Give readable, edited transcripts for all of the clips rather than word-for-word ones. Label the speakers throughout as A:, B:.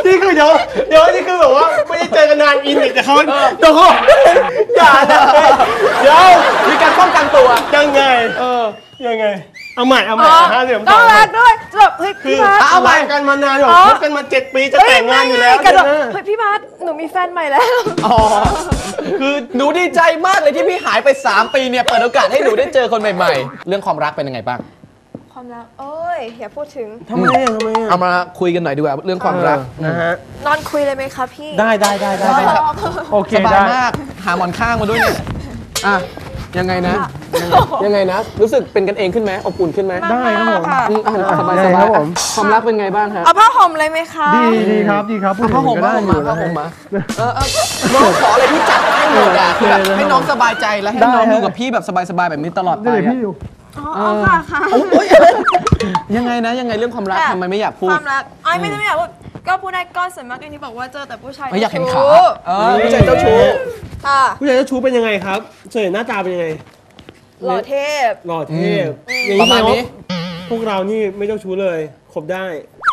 A: นี่คือเดี๋ยวนี่คือแบบว่าไม่ได้เจอกันนานอินอีกแต่เขาอย่านะเดี๋ยว
B: มีการป้องกันตัว
A: ยังไงยังไงเอาใหม่
C: ต้องรักด้วยแบบเฮ้ยพี่บาส
A: เอาไปกันมานานแบบคบกันมา7 ปีจะแต่งงานอยู่แล้ว
C: เฮ้ยพี่บาสหนูมีแฟนใหม่แล้ว
B: คือหนูดีใจมากเลยที่พี่หายไป3 ปีเนี่ยเปิดโอกาสให้หนูได้เจอคนใหม่ๆเรื่องความรักเป็นยังไงบ้าง
C: ความรักเอ้ยอย่าพูดถึง
A: ทำไม
B: เอามาคุยกันหน่อยดีกว่าเรื่องความรัก
A: นะฮะ
C: นอนคุยเลยไหมคะพี่
A: ได้โอเค
B: สบายมากหาหมอนข้างมาด้วยเนี่ยยังไงนะรู้สึกเป็นกันเองขึ้นไหมอบอุ่นขึ้นไหม
A: ได้ครับผม
B: สบายครับผมความรักเป็นไงบ้างครับ
C: เอาผ้าห่มเลยไหมคะ
A: ดีครับ
B: ผ้าห่มมาน้องขออะไรพี่จัดให้หมดอ่ะคือแบบให้น้องสบายใจและให้น้องอยู่กับพี่แบบสบายๆแบบนี้ตลอดไป
A: พี่อยู่
C: ค่ะ
B: ยังไงเรื่องความรักทำไมไม่อยากพูด
C: ความรักไม่อยากพูดก็พูดได้ก็ส่วนมากอย่างที่บอกว่าเจอแต่ผู้ชาย
B: ไม่อยากเห็นขาผู้ชายเจ้าชู้
A: ผู้ชายเจ้าชู้เป็นยังไงครับส่วนใหญ่หน้าตาเป็นยังไง
C: หล่อเทพ
B: ประมาณนี้
A: พวกเรานี่ไม่เจ้าชู้เลยคบได้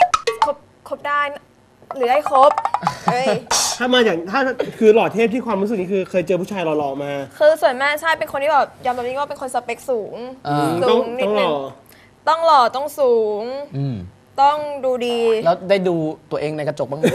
C: หรือได้ครบ
A: ถ้าคือหล่อเทพที่ความรู้สึกนี้คือเคยเจอผู้ชายหล่อๆมา
C: คือส่วนมากใช่เป็นคนที่แบบยอมรับว่าเป็นคนสเปคสูงนิดนึงต้องหล่อต้องสูงต้องดูดี
B: แล้วได้ดูตัวเองในกระจกบ้างไหม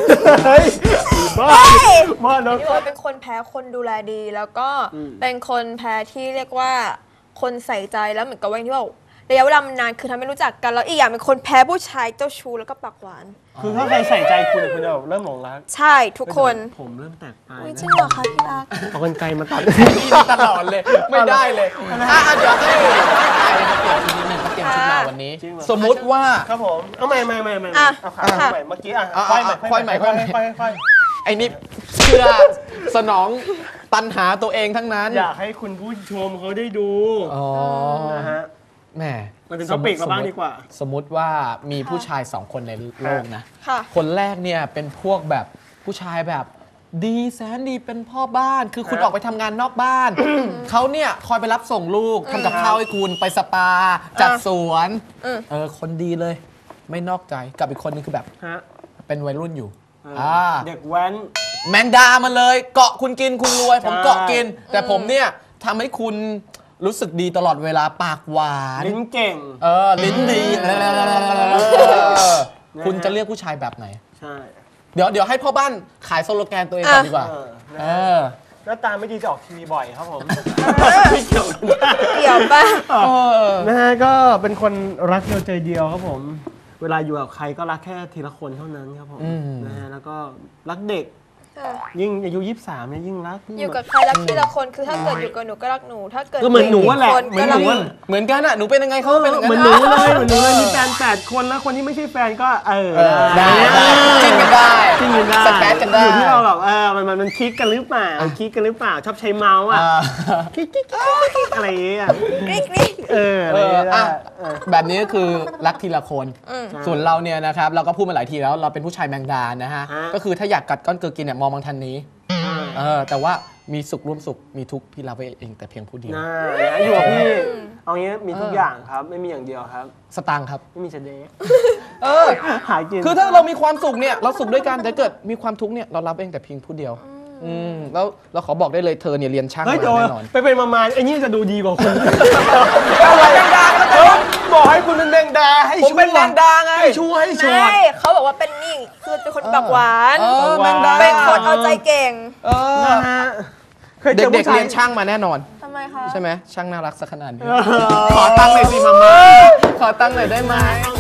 A: บ้าเนาะ
C: นี่ว่าเป็นคนแพ้คนดูแลดีแล้วก็เป็นคนแพ้ที่เรียกว่าคนใส่ใจแล้วเหมือนกับว่าที่ว่าระยะเวลามันนานคือทำให้รู้จักกันแล้วอีกอย่างเป็นคนแพ้ผู้ชายเจ้าชู้แล้วก็ปากหวาน
A: คือถ้าใครใส่ใจคุณจะเริ่มหลงรัก
C: ใช่ทุกคน
A: ผมเริ่มแตกไป
C: จริงเหรอคะพี่รัก
A: เอากรรไกรมาตัด
B: พี่ตลอดเลยไม่ได้เลยเดี๋ยวให้เปลี่ยนชุดมาวันนี้สมมุติว่า
A: ครับผมเอาใหม่เอาขาใหม่เมื่อกี้ค่อยใหม่
B: ไอ้นี่เพื่อสนองตัณหาตัวเองทั้งนั้น
A: อยากให้คุณผู้ชมเขาได้ดูนะฮะ
B: แหม
A: มันเป็นท็อปิกมาบ้างดีกว่า
B: สมมุติว่ามีผู้ชาย2 คนในโลกนะคนแรกเนี่ยเป็นพวกแบบผู้ชายแบบดีแสนดีเป็นพ่อบ้านคือคุณออกไปทำงานนอกบ้านเขาเนี่ยคอยไปรับส่งลูกทำกับข้าวให้คุณไปสปาจัดสวนคนดีเลยไม่นอกใจกับอีกคนนึงคือแบบเป็นวัยรุ่นอยู่
A: เด็กแว้น
B: แมงดามาเลยเกาะคุณกินคุณรวยผมเกาะกินแต่ผมเนี่ยทำให้คุณรู้สึกดีตลอดเวลาปากหวาน
A: ลิ้นเก่ง
B: ลิ้นดีคุณจะเลือกผู้ชายแบบไหน
A: ใช่
B: เดี๋ยวให้พ่อบ้านขายสโลแกนตัวเองก่อนดีกว่า
A: หน้าตาไม่ดีจะออกทีวีบ่อยครับผม
C: ไม่เกี่ยวป่ะ
A: นะฮะก็เป็นคนรักเดียวใจเดียวครับผมเวลาอยู่กับใครก็รักแค่ทีละคนเท่านั้นครับผมนะฮะแล้วก็รักเด็กยิ่งอายุ23เนี่ยยิ่งรัก
C: อยู่กับใครรักทีละคนคือถ้าเกิดอยู่กับหนูก็รักหนูถ้าเกิด
A: ก็เหมือนหนูแหละเหมื
B: อนกันอ่ะหนูเป็นยังไงเขาเป็น
A: เหมือนหนูเลยมีแฟน8 คนแล้วคนที่ไม่ใช่แฟนก็
B: ได้จิ้นกันได้สแปซกันได้
A: อยู่ที่เราแบบมันคลิกกันหรือเปล่าชอบใช้เมาส์คลิกอะไรอย่างเงี้ย
B: แบบนี้ก็คือรักทีละคนส่วนเราเนี่ยนะครับเราก็พูดมาหลายทีแล้วเราเป็นผู้ชายแมงดานะฮะก็คือถ้าอยากกัดก้อนเกลือกินเนี่ยมองบางทันนี้แต่ว่ามีสุขร่วมสุขมีทุกข์พี่รับไว้เองแต่เพียงผู้เดียว
A: อยู่กับพี่เอางี้มีทุกอย่างครับไม่มีอย่างเดียวครับ
B: สตางค์ครับ
A: ไม่มีเฉด
B: หากินคือถ้าเรามีความสุขเนี่ยเราสุขด้วยกันแต่เกิดมีความทุกข์เนี่ยเรารับเองแต่เพียงผู้เดียวแล้วเราขอบอกได้เลยเธอเนี่ยเรียนช่างมาแน่นอน
A: ไปมาไอ้นี่จะดูดีกว่าคุณอะไรแมงดาบอกให้คุณเป็นแมงดาให้
B: ผมเป็นแมงดาไง
A: ให้ช่วยให้ช่วย
C: เขาบอกว่าเป็นนี่คือเป็นคนปากหวานเป็นคนเอาใจเก่ง
A: นะฮะ
B: เด็กๆเรียนช่างมาแน่นอน
C: ทำไมคะ
B: ใช่ไหมช่างน่ารักสักขนาดนี้ขอตั้งหน่อยสิมาขอตั้งหน่อยได้ไหม